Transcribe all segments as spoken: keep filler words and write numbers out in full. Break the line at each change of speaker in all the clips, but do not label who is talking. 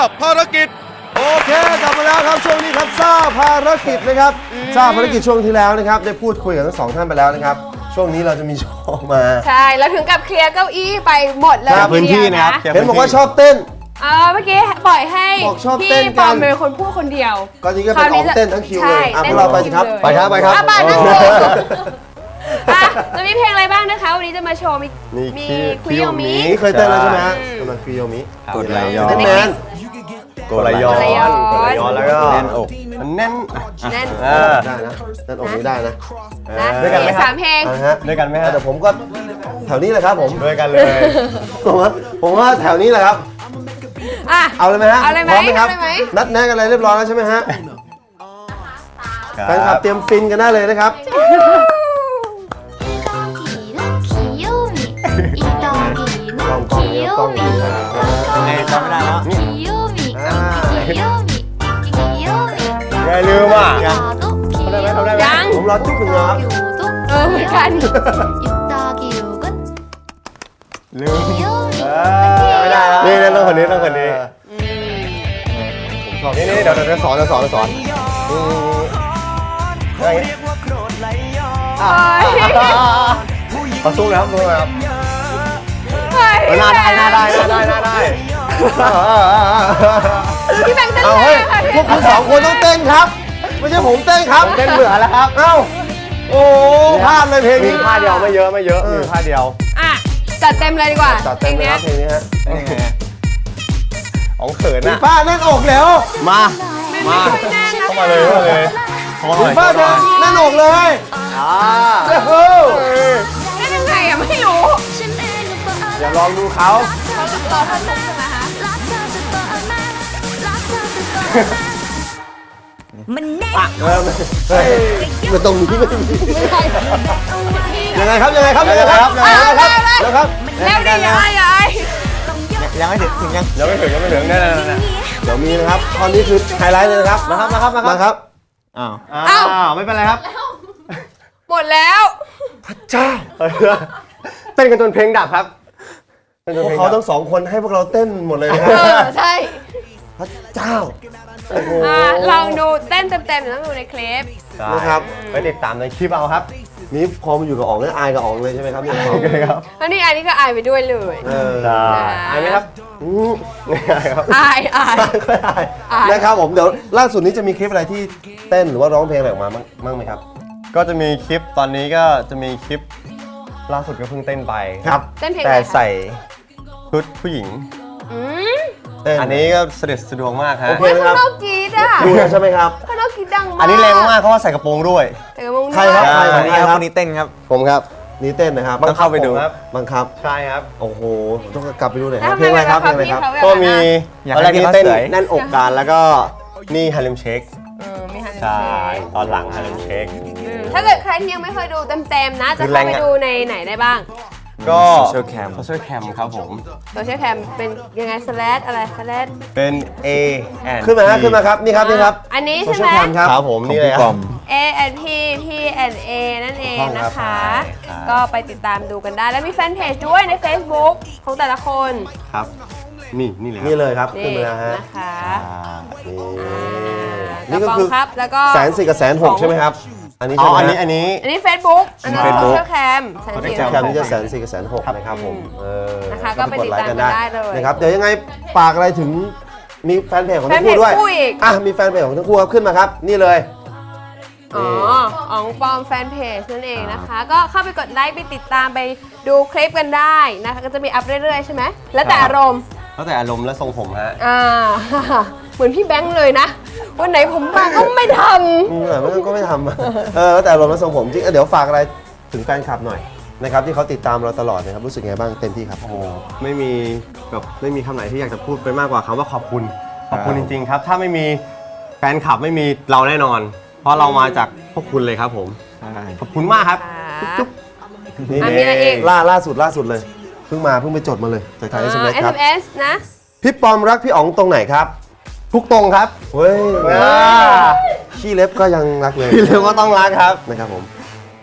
ภารกิจโอเคกลับมาแล้วครับช่วงนี้ครับซ่าภารกิจนะครับซ่าภารกิจช่วงที่แล้วนะครับได้พูดคุยกับทั้งสองท่านไปแล้วนะครับช่วงนี้เราจะมีโชว์มา
ใช่แล้วถึงกับเคลียร์เก้าอี้ไปหมดเลย
พื้นที่นะครับ
เห็นบอกว่าชอบเต้น
เออเมื่อกี้ปล่อยให้พี่ปอมเป็นคนพูดคนเดียว
ก็จริงก็เป็นออกเต้นทั้งคิวเลยอ่ะพวกเราไปสิครับ
ไปครับไปครับ
ไปนั่งดูอ่ะจะมีเพลงอะไรบ้างนะคะวันนี้จะมาโชว์มีมีคุยโยมิ
นี่เคยเต้นแล้วใช่ไหมฮะกำลังคุยโยมิ
กดไหลย้อน
เต้นแมน
กดไหลย้อนกดไหลย้อนแล้วก็แน่นอกมันแน่น
แน่น
ได้นะแน่นอกนี้ได้นะ
ด้วยกันไหมครับสามเพลง
ด้วยกันไหมฮะ
แต่ผมก็แถวนี้เลยครับผม
ด้วยกันเลย
ผมว่าผมว่าแถวนี้แหละครับเอาเลยไหมฮะพร้อมไหมครับนัดแนะกันอะไรเรียบร้อยแล้วใช่ไหมฮะแฟนคลับเตรียมฟินกันได้เลยนะครับกล้องกล้องเนี้ยกล้องนี้
เอ้ยจำไม่ได้แล้วอย่าลืมอ่ะทำได้ไหมทำได้ไหม
ยัง
ผมรอจุ๊บหนึ่งนะครับ
เออเหมือนกัน
ลืมไม่ได้แล้วนี่ต้องคนนี้ต้องคนนี้ผมชอบนี่นี่เดี๋ยวเดี๋ยวสอนเดี๋ยวสอนเดี๋ยวสอนอะไรขอสู้นะครับสู้นะครับหน้าได้หน้าได้หน้าได้หน้าได้
พี่แบงค์เต้น
เอาเฮ้ยพวกคุณสองคนต้องเต้นครับไม่ใช่ผมเต้นครับ
เต้นเบื่อแล้วครับ
เอ้าโอ้พลาดเลยเพลงนี้
ท่าเดียวไม่เยอะไม่เยอะมีท่าเดียว
อ่ะจัดเต็มเลยดีกว่า
จัดเต็มเลยครับเพลงนี้ฮะ
อ๋องเขินอ่ะ
ป้าแน่นอกแล้ว
มามาเข้ามาเลยเข้ามาเลย
ป้าเดินแน่นอกเลย
อ่า
เฮ้ย
ได้ยังไงอ่ะไม่รู้
อย่าลองดูเขา
ต่อผสมใช่ไหมคะ
มันแน่เริ่มมันตรงนี้ไม่มียังไงครับยังไงครับยังไงครับยังไงครับยังไงครับ
แล้วดิยายยาย
ยังไม่ถึงถึงยังยังไม่ถึงยังไม่ถึงแน่ๆ
เดี๋ยวมีนะครับตอนนี้คือไฮไลท์เลยนะครับ
มาครับมาครับ
มาครับ
อ้าวอ้าวไม่เป็นไรครับ
หมดแล้ว
พระเจ้า
เต้นกันจนเพลงดับครับ
พวกเขาทั้งสองคนให้พวกเราเต้นหมดเลยนะครับ
ใช่
พระเจ้า
ลองดูเต้นเต็มๆต้องดูในคลิป
นะครับ
ไปติดตามในคลิปเอาครับ
นี่พอมาอยู่กับอ๋องแล้วอายกับอ๋องเลยใช่ไหมครับนี่
โอเคครับ
แล้วนี่อายนี่ก็อายไปด้วยเลย
อายไหมครับ
อายอาย
นะครับผมเดี๋ยวล่าสุดนี้จะมีคลิปอะไรที่เต้นหรือว่าร้องเพลงอะไรออกมาบ้างไหมครับ
ก็จะมีคลิปตอนนี้ก็จะมีคลิปล่าสุดก็เพิ่งเต้นไป
ครับ
แต่ใส่ชุดผู้หญิงอันนี้ก็เสด็จสะดวกมากฮะ
โอเค
ไหมครับข้างนอกกรี๊ดอ่ะ
ดูใช่ไหมครับ
ข้างนอกกรี๊ดดังมาก
อันนี้แรงมากเพราะว่าใส่กระโปรงด้วย
ใส่กระโปรง
ใครครับใคร
อันนี้ครับคนนี้เต้นครับ
ผมครับนี่เต้นนะครับ
ต้องเข้าไปดู
ครับบังคับ
ใช่ครับ
โอ้โหต้องกลับไปดูหน่อยเพลงอะไรครับเพลงอะไรครับ
ก็มีตอนแรกที่เต้นแน่นอกกันแล้วก็นี่ฮาเลมเชคใช่ตอนหลังฮาเลมเชค
ถ้าเกิดใครที่ยังไม่เคยดูเต็มๆนะจะเข้าไปดูในไหนได้บ้าง
ก็โซเชียลแคมโซเชียลแคมครับผม
โซเชียลแคมเป็นยังไงสแลดอะไรสแลด
เป็น A
ขึ้นมาขึ้นมาครับนี่ครับนี่ครับ
อันนี้ใช่ไหม
ครับผมนี่เลยครับ
A and P P and A นั่นเองนะคะก็ไปติดตามดูกันได้แล้วมีแฟนเพจด้วยใน Facebook ของแต่ละคน
ครับนี่นี่เลย
นี่เลยครับขึ้นมาแล้วฮะ
นะคะ
นี่ก็คือแสนสี่กับแสนหกใช่ไหมครับอันนี้
อ๋ออันนี้อันนี้
อันนี้ Facebook อันนี้โซเชียลแคมแสนสี่
แคมนี่จะแสนสี่กับแสนหกนะครับผม
นะคะก็ไปติดตามกันได้เลย
นะครับเดี๋ยวยังไงฝากอะไรถึงมีแฟนเพจของทั้งคู่ด้วยอ่ะมีแฟนเพจของทั้งคู่ครับขึ้นมาครับนี่เลย
อ๋ออ๋องปอมแฟนเพจนั่นเองนะคะก็เข้าไปกดไลค์ไปติดตามไปดูคลิปกันได้นะคะก็จะมีอัพเรื่อยๆใช่ไหมแล้วแต่อารมณ์
แล้วแต่อารมณ์และทรงผมฮะ
อ่าเหมือนพี่แบงค์เลยนะวันไหนผมมาก็ไม่ทำ
เหมือนก็ไม่ทำเออแล้วแต่อารมณ์และทรงผมจริงเดี๋ยวฝากอะไรถึงแฟนคลับหน่อยนะครับที่เขาติดตามเราตลอดนะครับรู้สึกไงบ้างเต็มที่ครับ
โอ้ไม่มีแบบไม่มีคำไหนที่อยากจะพูดไปมากกว่าคำว่าขอบคุณขอบคุณจริงๆครับถ้าไม่มีแฟนคลับไม่มีเราแน่นอนเพราะเรามาจากพวกคุณเลยครับผมขอบคุณมากครับจุ๊บ
นี่ล่าล่าสุดล่าสุดเลยเพิ่งมาเพิ่งไปจดมาเลยจากทาง เอส เอ็ม เอส ครับ
เอส เอ็ม เอส นะ
พี่ปอมรักพี่อ๋องตรงไหนครับ
ทุกตรงครับ
เฮ้ยขี้เล็บก็ยังรักเลย
ขี้เล็บก็ต้องรักครับ
นะครับผม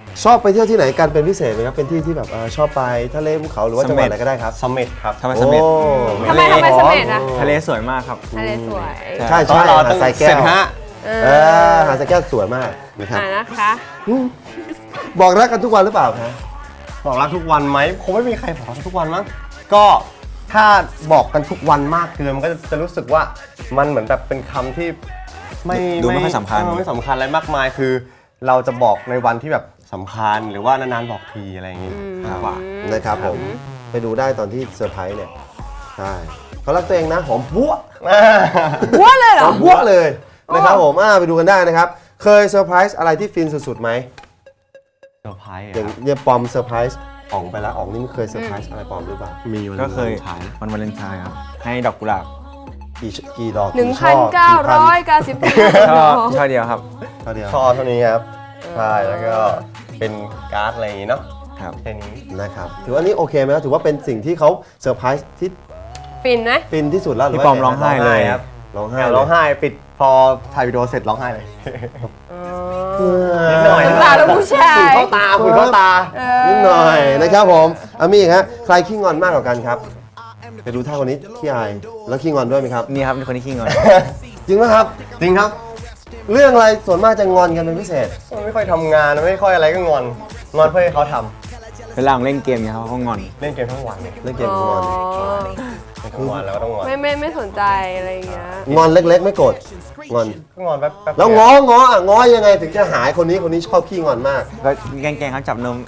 ชอบไปเที่ยวที่ไหนกันเป็นพิเศษไหมครับเป็นที่ที่แบบเอ่อชอบไปทะเลภูเขาหรือว่าจังหวัดอะไรก็ได้ครับ
สมเม็ดครับ
ทำไมสำเร็จ
โอ้
ทำไมทำไมเสม็ดอะ
ทะเลสวยมากครับ
ทะเลสวย
ใช่
ตอ
ใช่
นเรา
หา
ต้อง
ดทรายแก้
เสร็จ
ว
ฮะ
เอ
เอ
อ
อหาดทรายแก้วสวยมากนะครับ
อ่านะคะ
บอกรักกันทุกวันหรือเปล่าคะ
บอกรักทุกวันไหมคงไม่มีใครบอกรักทุกวันมั้งก็ถ้าบอกกันทุกวันมากเกินมันก็จะรู้สึกว่ามันเหมือนแบบเป็นคำที่ไม่
ดูไม่ค่อยสำคัญ
เไม่สำคัญอะไรมากมายคือ เราจะบอกในวันที่แบบสำคัญหรือว่านานๆบอกทีอะไรอย่างงี้มากกว่า
นะครับผมไปดูได้ตอนที่เซอร์ไพรส์เนี่ยใช่เขารักตัวเองนะหอมบัว
วัวเลยเหร
ห
อ
อมบัวเลยนะครับผมอ่าไปดูกันได้นะครับ เคยเซอร์ไพรส์อะไรที่ฟินสุดๆไหม
เซอร์ไพรส์
อย่างเยี่ยปอมเซอร์ไพรส์อ๋องไปแล้วอ๋องนี่เคยเซอร์ไพรส์อะไรปอมหรือเปล่า
มีวัน
ก็เคย
ฉาย
วันวาเลนไทน์ครับ ให้ดอกกุหลาบ
กี่กี่ดอก
หนึ่ง
กี่
พั
ช่
น
อ
เก้าร้อย
กี่
เก้าสิบ
ช่อช่อเดียวครับ
พันเท่าเดียว
ช่อเท่านี้ครับใช่แล้วก็เป็นการ์ดอะไรอย่างงี้เนาะ
ครับ
แค่นี้
นะครับถือว่านี่โอเคไหมครับถือว่าเป็นสิ่งที่เขาเซอร์ไพรส์ที่
ฟินไหม
ฟินที่สุดแล้วหรื
พี่
ว่า
ปอมร้องไห้เลย
ครับ
ร้องไห้
แอบร้องไห้ปิดพอถ่ายวิดีโอเสร็จร้องไห้เลย นิดหน่อย
น้ำตาแล้วผู้ชาย
ฝุ่นเข้าตาฝุ่นเข้าตา
นิดหน่อยนะครับผมอามีฮะใครขี้งอนมากกว่ากันครับไปดูท่าคนนี้ขี้อายแล้วขี้งอนด้วยไหมครับ
นี่ครับเป็นคนที่ขี้งอน
จริงไหมครับ
จริงครับ
เรื่องอะไรส่วนมากจะงอนกันเป็นพิเศษ
มันไม่ค่อยทำงานไม่ค่อยอะไรก็งอน งอนเพื่อให้เขาท
เวลาผมเล่นเกมเนี่ยเขาก็งอน
ำเล่นเกมทั้งวันเลย
เล่นเกม
อ๋อ
งอน
ทั้งวันแล้วก็ต้องงอน
ไม่ไม่ไม่สนใจอะไรอย่างเงี้ย
งอนเล็กๆ ไม่โกรธงอน
ก็งอนแป๊บแป๊บ
แล้วง้อง้ออ่ะง้อยังไงถึงจะหายคนนี้คนนี้ชอบขี้งอนมาก
ก็แกล้งๆเขาจับนม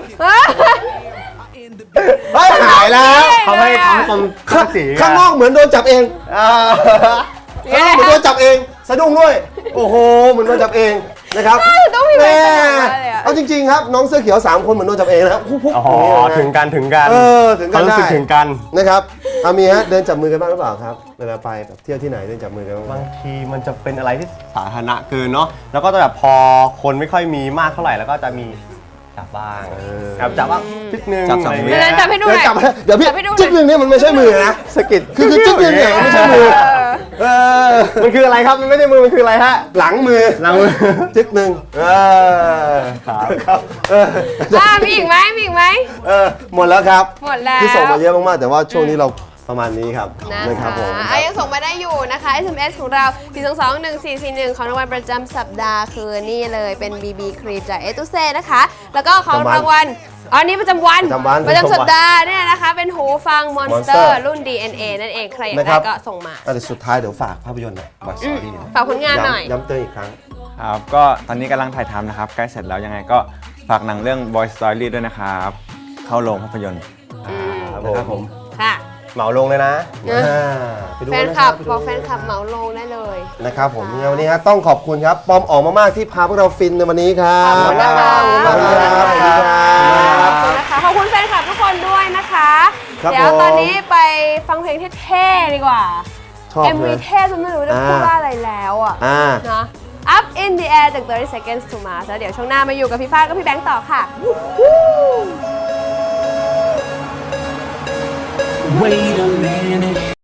เฮ้ยหายแล้ว
เขาให้ทำตรงข้างสี
ข้างนอกเหมือนโดนจับเอง
อ่า
ข้างนอกเหมือนโดนจับเองสะดุ้งด้วยโอ้โหเหมือนโดนจับเองนะครับ
ต้องมีอะไร
แม่
ขนาดนั้นเลยอะ
เอาจริงๆครับน้องเสื้อเขียวสามคนเหมือนโดนจับเองนะครับพุ๊บพุ๊บ
อ๋อ
อย่าง
ถึ
เงี้
ง
ย
กันถึงกัน
เออถึงกัน
เขารู้สึก
ได้
ถึงกัน
นะครับอามีฮะเดินจับมือกันบ้างหรือเปล่าครับเวลาไปแบบเที่ยวที่ไหนเดินจับมือกันบ้างไหม
บางทีมันจะเป็นอะไรที่สาธารณะเกินเนาะแล้วก็จะแบบพอคนไม่ค่อยมีมากเท่าไหร่แล้วก็จะมีจับบ้างแบบจับบ้างนิดนึง
จับสอง
ะไร
วิ
เงี้ย
เดี๋ยวจับให้ดูห
เดี๋ยว
น่อย
จับให้เดี๋ยวพี่
จับให้ดูหน่อย
จิ๊กหนึ่งเนี่ยมันไม่ใช่มือนะ
สะกิด
คือคือจิ๊กหนึ่งเนี่ยมันไม่ใช่มือเออ
มันคืออะไรครับมันไม่ใช่มือมันคืออะไรฮะ
หลังมือ
หลังมือ
จิ๊กหนึ่งเออ
ครับ
ครับเออ
อ่ามีอีกไหมมีอีกไหม
เออหมดแล้วครับ
หมดแล้ว
ที่ส่งมาเยอะมากๆแต่ว่าช่วงนี้เราประมาณนี้ครับ
นะ
นะครั
คะ
บผม
อ่ะยังส่งมาได้อยู่นะคะ เอส เอ็ม เอส ของเรา สี่ สอง สอง หนึ่ง สี่ สี่ หนึ่ง ของรางวัลประจำสัปดาห์คือนี่เลยเป็น บี บี ครีมจากเอตุเซ่นะคะ แล้วก็ของรางวัลอ๋อนี่ประจำวัน
ประจำวัน
ประจำสัปดาห์เนี่ยนะคะ เป็นหูฟัง Monster
Monster
รุ่น ดี เอ็น เอ นั่นเอง ใครอยาก
นะค
ได้
รับ
ก็ส่งมา
อ่ะแต่สุดท้ายเดี๋ยวฝากภาพยนตร์หน่อยบอยสตอรี่
ฝากผลงานหน่อย
ย้ำเตือนอีกครั้ง
ครับ ก็ตอนนี้กำลังถ่ายทำนะครับ ใกล้เสร็จแล้วยังไงก็ฝากหนังเรื่อง Boy Story ด้วยนะครับ เข้าโรงภาพยนตร์
นะครับผม
ค่ะ
เหมาลงเลยนะ
อ่าไปดู
แฟ
กัน
น
นะ
คลับ
ไปดู
บอกแฟนคลับเหมาลงได้เลย
นะครับผมยังไงวันนี้ฮะต้องขอบคุณครับปอมออกมากๆที่พาพวกเราฟินในวันนี้ครับ
ขอบคุณนะคะ
ขอบคุณครับขอบคุณครับ
ขอบคุณนะคะ ขอบคุณแฟนคลับทุกคนด้วยนะคะ
ครับ
เดี๋ยว
ผม
ตอนนี้ไปฟังเพลงเท่ๆดีกว่า
ชอบ
เอ็ม
เล
วี
ย
เท่จนไม่รู้จะพูดว่าอะไรแล้วอ่ะ
อ่า
นะ Up in the air จากthirty seconds to Mars แล้วเดี๋ยวช่วงหน้ามาอยู่กับพี่ฟ้ากับพี่แบงค์ต่อค่ะ
Wait a minute.